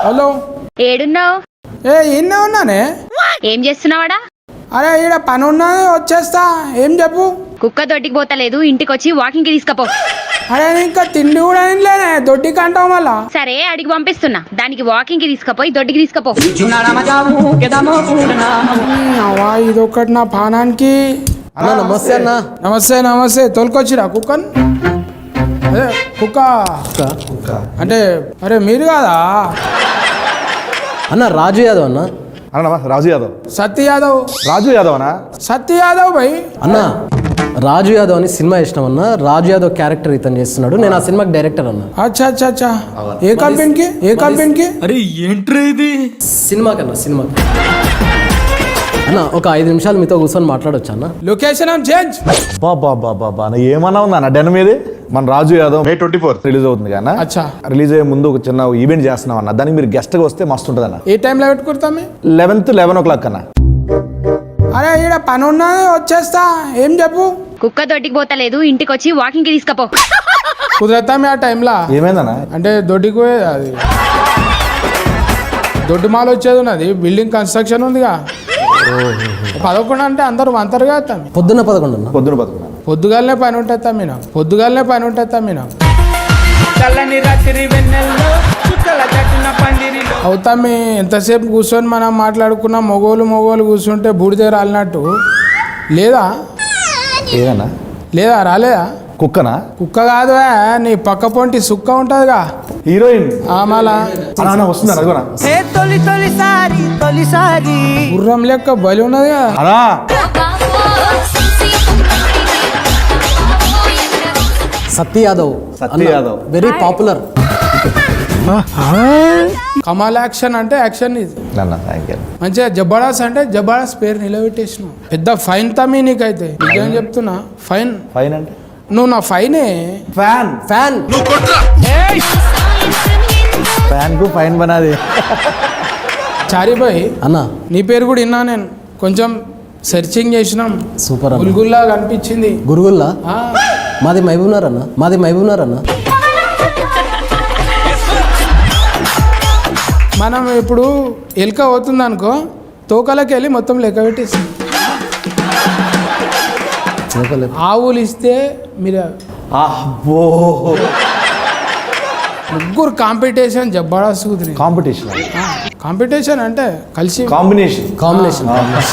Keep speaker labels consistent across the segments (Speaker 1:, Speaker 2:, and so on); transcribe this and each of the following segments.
Speaker 1: Hello
Speaker 2: ఏడున్నావు?
Speaker 1: ఈయనే ఉన్నానే.
Speaker 2: ఏం చేస్తున్నావాడా?
Speaker 1: అరే ఈడ పని ఉన్నది వచ్చేస్తా. ఏం చెప్పు.
Speaker 2: కుక్క దొడ్డికి పోతలేదు, ఇంటికి వచ్చి వాకింగ్ కి తీసుకపో.
Speaker 1: అరే ఇంకా తిండి కూడా తినలేనే, దొడ్డికి అంటావు మళ్ళా.
Speaker 2: సరే అడిగి పంపిస్తున్నా, దానికి వాకింగ్ కి తీసుకపోయి దొడ్డికి తీసుకపో.
Speaker 1: ఇదొకటి నా పానానికి.
Speaker 3: అన్న నమస్తే అన్న.
Speaker 1: నమస్తే నమస్తే. తోలుకొచ్చిరా కుక్కన్? అదే కుక్క అంటే అరే మీరు కాదా
Speaker 3: అన్న? రాజు యాదవ్ అన్న.
Speaker 4: అన్న రాజు యాదవ్.
Speaker 1: సత్య యాదవ్.
Speaker 4: రాజు యాదవ్ అన్నా?
Speaker 1: సత్య యాదవ్ భయ్.
Speaker 3: అన్న రాజు యాదవ్ అని సినిమా చేసినాం అన్న. రాజు యాదవ్ క్యారెక్టర్ ఇతను చేస్తున్నాడు. నేను ఆ సినిమాకి డైరెక్టర్ అన్న.
Speaker 1: అచ్చా అచ్చా అచ్చా. ఏ కంపెనీకి? ఏ కంపెనీకి?
Speaker 5: అరే ఏంట్రా ఇది?
Speaker 3: సినిమాకి అన్న ఒక 5 నిమిషాలు మీతో కూర్చొని మాట్లాడొచ్చు అన్న?
Speaker 1: Location change.
Speaker 4: బాబా ఏమన్నా ఉందా అన్న డెన్ మీది? మన రాజు యాదవ్ May 24 రిలీజ్ అవుతుంది కదా.
Speaker 1: అచ్చా.
Speaker 4: రిలీజ్ అయ్యే ముందు ఒక చిన్న ఈవెంట్ చేస్తున్నాం అన్న. దానికి మీరు గెస్ట్ గా వస్తే మస్తు ఉంటుంది అన్న.
Speaker 1: ఏ టైంలో పెట్టుకుంటాం?
Speaker 4: 11 o'clock అన్న.
Speaker 1: అరే ఈడ పని ఉన్నది వచ్చేస్తా. ఏం చెప్పు.
Speaker 2: కుక్క దొడ్డికి పోతలేదు, ఇంటికి వచ్చి వాకింగ్ కి తీసుకపో.
Speaker 1: కుదరతామే ఆ టైంలో.
Speaker 4: ఏమైందన్నా?
Speaker 1: అంటే దొడ్డికి పోయేది అది దొడ్డి మాల్ వచ్చేది ఉన్నది. బిల్డింగ్ కన్స్ట్రక్షన్ ఉందిగా. 11 అంటే అందరూ అంతరుగా తమ్మి.
Speaker 3: పొద్దున్న 11 అన్న.
Speaker 1: పొద్దుగాలనే పని ఉంటుంది తమ్మిన. అవుతామి ఎంతసేపు కూర్చొని మనం మాట్లాడుకున్న మొగోలు కూర్చుంటే బూడిద రాలినట్టు లేదా?
Speaker 4: ఏదన్నా?
Speaker 1: లేదా రాలేదా?
Speaker 4: కుక్కనా?
Speaker 1: కుక్క కాదు, నీ పక్క పొంటి సుక్క ఉంటుందిగా,
Speaker 4: హీరోయిన్.
Speaker 1: మళ్ళా
Speaker 4: వస్తుందా?
Speaker 1: గుర్రం లెక్క బలి ఉన్నది కదా.
Speaker 3: Satya Yadav very popular.
Speaker 1: కమాల్ యాక్షన్ అంటే యాక్షన్ ఇది. మంచిగా జబర్దస్త్ అంటే జబర్దస్త్ పేరు నిలబెట్టేసిన. పెద్ద ఫైన్ తమ్మి నీకైతే. నిజం చెప్తున్నా. ఫైన్
Speaker 4: అంటే
Speaker 1: నువ్వు నా ఫైనే.
Speaker 4: ఫ్యాన్ కు ఫైన్ బనాది.
Speaker 1: చారిబాయ్
Speaker 3: అన్న
Speaker 1: నీ పేరు కూడా విన్నా నేను. కొంచెం సెర్చింగ్ చేసినాం.
Speaker 3: సూపర్.
Speaker 1: గుల్గుల్లా కనిపించింది.
Speaker 3: గురుగుల్లా? మాది మహబూబ్నగర్ అన్న.
Speaker 1: మనం ఇప్పుడు ఎలుక అవుతుంది అనుకో, తోకలకి వెళ్ళి మొత్తం లెక్క పెట్టేస్తాం. ఆవులు ఇస్తే మీరు ముగ్గురు కాంపిటీషన్ జబర్దస్త్ కుదిరి. కాంపిటీషన్ అంటే కలిసి
Speaker 3: కాంబినేషన్.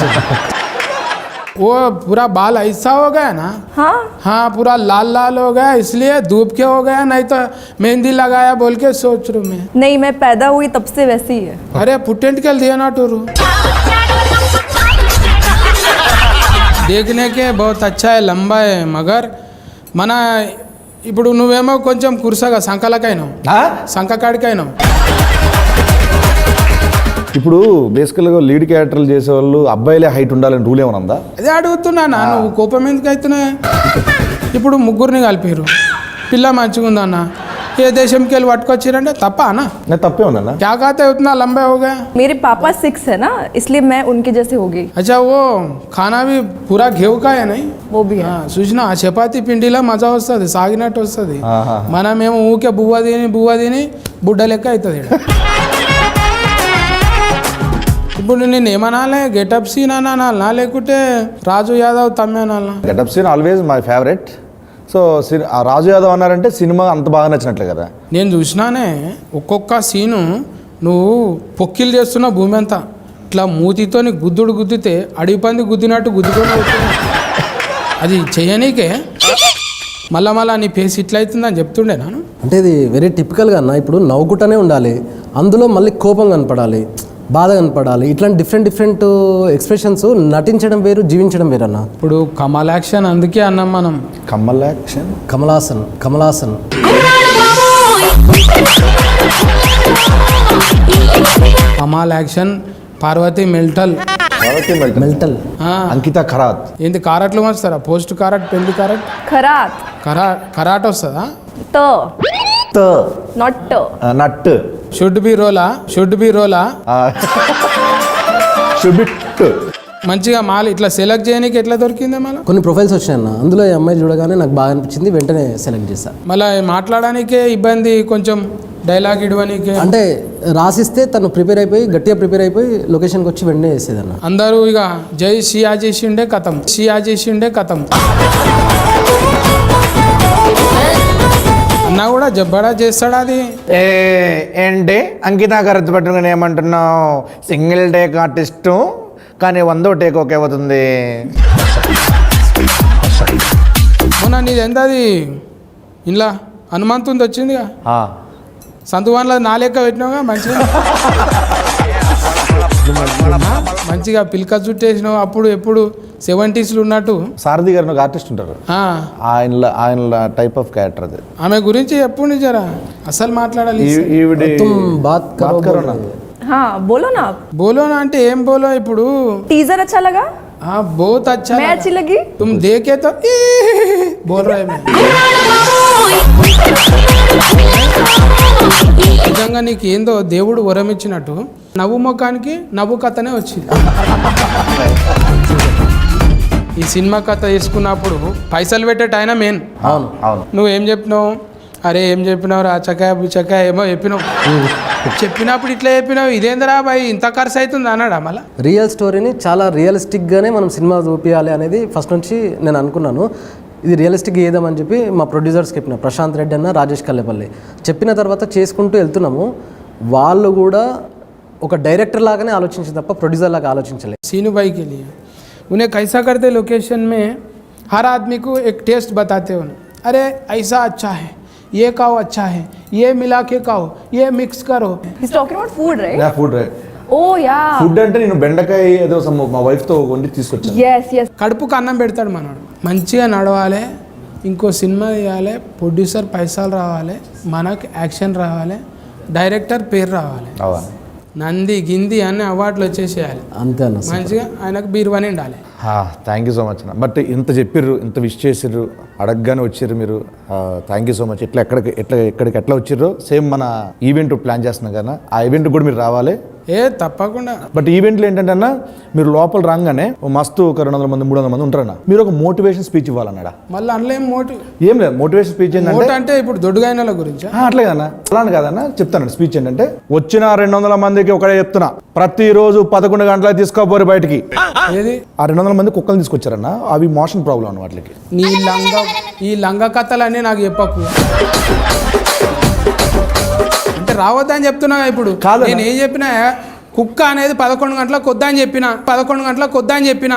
Speaker 1: वो पूरा बाल ऐसा हो गया ना. हाँ पूरा लाल हो गया, इसलिए धूप के हो गया. नहीं तो मेहंदी लगाया बोल के सोच रहा मैं.
Speaker 6: नहीं, मैं पैदा हुई तब से वैसी ही है.
Speaker 1: अरे पुटेंट के दिया ना टूरू. देखने के बहुत अच्छा है, लंबा है, मगर మన ఇప్పుడు నువ్వేమో కొంచెం కుర్సగా సంకలకైనావు, సంకకాడికైనావు.
Speaker 4: ఇప్పుడు బేసికల్గా లీడ్ క్యారెక్టర్లు చేసేవాళ్ళు అబ్బాయిలే హైట్ ఉండాలని రూల్ ఏమైనా ఉందా?
Speaker 1: అదే అడుగుతున్నా. నువ్వు కోపం ఎందుకు అవుతున్నా? ఇప్పుడు ముగ్గురిని కలిపారు, పిల్ల మంచిగా ఉందన్న. ఏ దేశంకి వెళ్ళి పట్టుకొచ్చారంటే తప్ప అన్న?
Speaker 4: తప్పే ఉందన్న.
Speaker 1: क्या कहते हैं उतना लंबा हो गया?
Speaker 6: मेरे पापा 6 है ना, इसलिए मैं उनके जैसे हो गई.
Speaker 1: अच्छा वो खाना भी पूरा घेव का है नहीं?
Speaker 6: वो भी है.
Speaker 1: చూసినా ఆ చపాతి పిండిలో మజా వస్తుంది, సాగినట్టు వస్తుంది. మనమేమో ఊకే బువ్వ తిని బుడ్డ లెక్క అవుతుంది. ఇప్పుడు నేను ఏమనాలే? గెటప్ సీన్ అనాలనా లేకుంటే రాజు యాదవ్ తమ్మి అనాలనా?
Speaker 4: Getup scene always my favourite. So Raju Yadav అన్నారంటే సినిమా అంత బాగా నచ్చినట్లే కదా. నేను
Speaker 1: చూసినానే ఒక్కొక్క సీను. నువ్వు పొక్కిలు చేస్తున్న భూమి అంతా ఇట్లా మూతితోని గుద్దితే అడవి పంది గుద్దినట్టు గుద్దుకొని అది చెయ్యనీకే మళ్ళా నీ ఫేస్ ఇట్లా అవుతుందని చెప్తుండే నాను.
Speaker 3: అంటే ఇది వెరీ టిపికల్గా అన్న. ఇప్పుడు నవ్వుకుంటూనే ఉండాలి, అందులో మళ్ళీ కోపం కనపడాలి, బాధ కనపడాలి. ఇట్లాంటి డిఫరెంట్ ఎక్స్ప్రెషన్స్ నటించడం వేరు, జీవించడం వేరు అన్న.
Speaker 1: ఇప్పుడు కమల్ యాక్షన్ అందుకే అన్నాం మనం.
Speaker 3: కమలాసన్
Speaker 1: కమాల్ యాక్షన్. పార్వతి మెల్టల్.
Speaker 4: అంకిత ఖరాత్.
Speaker 1: ఏంది కారట్లు వస్తారా? పోస్ట్ కారట్, పెళ్లి కారట్, కరాట్ వస్తుందా?
Speaker 4: నట్
Speaker 1: షుడ్ బి రోలా. మంచిగా మాల్ ఇట్లా సెలెక్ట్ చేయడానికి ఎట్లా దొరికిందే మళ్ళీ
Speaker 3: కొన్ని ప్రొఫైల్స్ వచ్చాయి అన్న, అందులో ఈ అమ్మాయి చూడగానే నాకు బాగా అనిపించింది, వెంటనే సెలెక్ట్ చేశాను.
Speaker 1: మళ్ళీ మాట్లాడడానికే ఇబ్బంది, కొంచెం డైలాగ్ ఇవ్వడానికే.
Speaker 3: అంటే రాసిస్తే తను గట్టిగా ప్రిపేర్ అయిపోయి లొకేషన్కి వచ్చి వెంటనే వేసేదన్న.
Speaker 1: అందరూ ఇక జై షియా చేసిండే కథం, షియా చేసిండే కథం అన్నా కూడా జబ్బడా చేస్తాడా అది.
Speaker 4: ఏంటి అంకిత కరెక్ట్ పట్టుకుని ఏమంటున్నావు? సింగిల్ టేక్ ఆర్టిస్టు కానీ 100వ టేక్ ఓకే అవుతుంది.
Speaker 1: మొన్న నీది ఎంత అది ఇంట్లో హనుమంతుంది వచ్చిందిగా, సంతువాన్లో నా లెక్క పెట్టినావుగా మంచిగా మంచిగా పిల్క చుట్టేసినావు. అప్పుడు ఎప్పుడు 70s ఉన్నట్టు.
Speaker 4: సారథి గారు ఒక ఆర్టిస్ట్ ఉంటారు, ఆయన టైప్ ఆఫ్ క్యారెక్టర్ అది.
Speaker 1: ఆమె గురించి ఎప్పుడు నిజరా అసలు మాట్లాడాలి.
Speaker 6: हाँ बोलो ना आप.
Speaker 1: బోలోనా అంటే ఏం బోలో ఇప్పుడు?
Speaker 6: टीजर अच्छा लगा?
Speaker 1: हाँ बहुत अच्छा
Speaker 6: मैं अच्छी लगी?
Speaker 1: तुम देखे तो बोल रहे मैं. నిజంగా నీకు ఏందో దేవుడు వరం ఇచ్చినట్టు నవ్వు ముఖానికి నవ్వు కథనే వచ్చింది. ఈ సినిమా కథ వేసుకున్నప్పుడు పైసలు పెట్టేట ఆయన మెయిన్.
Speaker 4: అవును అవును.
Speaker 1: నువ్వేం చెప్పినావు? అరే ఏం చెప్పినావు రా చకాయ బుచకాయ ఏమో చెప్పినావు. చెప్పినప్పుడు ఇట్లా చెప్పినావు, ఇదేందిరా బాయ్ ఇంత ఖర్చు అవుతుంది అన్నాడా మళ్ళీ?
Speaker 3: రియల్ స్టోరీని చాలా రియలిస్టిక్గానే మనం సినిమా చూపించాలి అనేది ఫస్ట్ నుంచి నేను అనుకున్నాను. ఇది రియలిస్టిక్గా ఏదామని చెప్పి మా ప్రొడ్యూసర్స్కి చెప్పిన, ప్రశాంత్ రెడ్డి అన్న, రాజేష్ కల్లేపల్లి చెప్పిన తర్వాత చేసుకుంటూ వెళ్తున్నాము. వాళ్ళు కూడా ఒక డైరెక్టర్ లాగానే ఆలోచించింది తప్ప ప్రొడ్యూసర్ లాగా ఆలోచించలేదు.
Speaker 1: सीनू भाई के लिए उन्हें कैसा करते लोकेशन में हर आदमी को एक टेस्ट बताते हो, अरे ऐसा अच्छा है, ये खाओ अच्छा है, ये मिला के खाओ, ये मिक्स करो.
Speaker 6: He's talking about food, right?
Speaker 4: Food right.
Speaker 6: Oh yeah.
Speaker 4: Food అంటే నేను బెండకాయ ఏదో మా వైఫ్తో వండి తీసుకొచ్చాను.
Speaker 6: Yes yes.
Speaker 1: కడుపుకు అన్నం పెడతాడు మనోడు. మంచిగా నడవాలి, ఇంకో సినిమా తీయాలి, ప్రొడ్యూసర్ పైసలు రావాలి, మనకు యాక్షన్ రావాలి, డైరెక్టర్ పేరు రావాలి, నంది గింది అన్ని అవార్డులు వచ్చేసేయాలి.
Speaker 3: అంతే అన్న.
Speaker 1: మంచిగా ఆయనకు బీరువాని ఉండాలి.
Speaker 4: థ్యాంక్ యూ సో మచ్ అన్న. బట్ ఇంత చెప్పిర్రు, ఇంత విష్ చేసిర్రు, అడగగానే వచ్చిర్రు మీరు. Thank you so much. ఎక్కడికి ఎట్లా వచ్చిర్రు సేమ్ మన ఈవెంట్ ప్లాన్ చేస్తున్నాం కదా, ఆ ఈవెంట్ కూడా మీరు రావాలి.
Speaker 1: తప్పకుండా.
Speaker 4: బట్ ఈవెంట్లో ఏంటంటే అన్న, మీరు లోపల రాగానే మస్తు ఒక 200 మంది 300 మంది ఉంటారన్న, మీరు ఒక మోటివేషన్ స్పీచ్ ఇవ్వాలన్నాడా?
Speaker 1: మళ్ళీ అందులో
Speaker 4: ఏం లేదు. మోటివేషన్ స్పీచ్ ఏంటంటే
Speaker 1: అంటే ఇప్పుడు దొడ్డుగాయనల గురించి
Speaker 4: అట్లే కదన్నా, అలానే కాదన్నా చెప్తాను. స్పీచ్ ఏంటంటే, వచ్చిన 200 మందికి ఒకటే చెప్తున్నా, ప్రతిరోజు 11 గంటలకు తీసుకోపోరు బయటికి.
Speaker 1: ఏది
Speaker 4: ఆ 200 మంది కుక్కలు తీసుకొచ్చారన్న, అవి మోషన్ ప్రాబ్లం అన్న వాటికి.
Speaker 1: ఈ లంగ కథలన్నీ నాకు చెప్పకు. అంటే రావద్దని చెప్తున్నా ఇప్పుడు. నేను ఏం చెప్పినా, కుక్క అనేది 11 గంటలకు వద్దని చెప్పిన, 11 గంటలకు వద్దని చెప్పిన.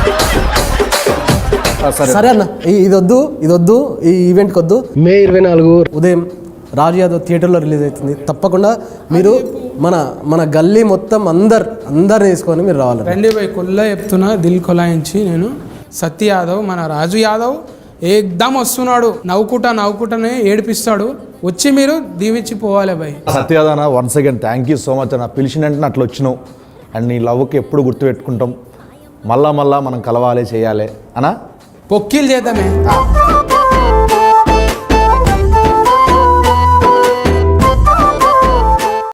Speaker 3: సరే అన్న, ఇదొద్దు, ఈ ఈవెంట్కి వద్దు. మే 24 ఉదయం రాజు యాదవ్ థియేటర్లో రిలీజ్ అవుతుంది. తప్పకుండా మీరు మన గల్లీ మొత్తం అందరిని తీసుకొని మీరు రావాలి.
Speaker 1: రండి పోయి కొల్లా చెప్తున్నా, దిల్ కొలాయించి నేను. సత్య యాదవ్, మన రాజు యాదవ్ ఏకదమ్ వస్తున్నాడు, నవ్వుకుంటానే ఏడిపిస్తాడు. వచ్చి మీరు దీవించి పోవాలి భయ్.
Speaker 4: సత్యాదన once again thank you so much అన్న. పిలిచినంటే అట్లా వచ్చినావు, అండ్ నీ లవ్కి ఎప్పుడు గుర్తుపెట్టుకుంటాం. మళ్ళా మనం కలవాలి, చేయాలి అన్నా.
Speaker 1: పొక్కిలు చేద్దామే.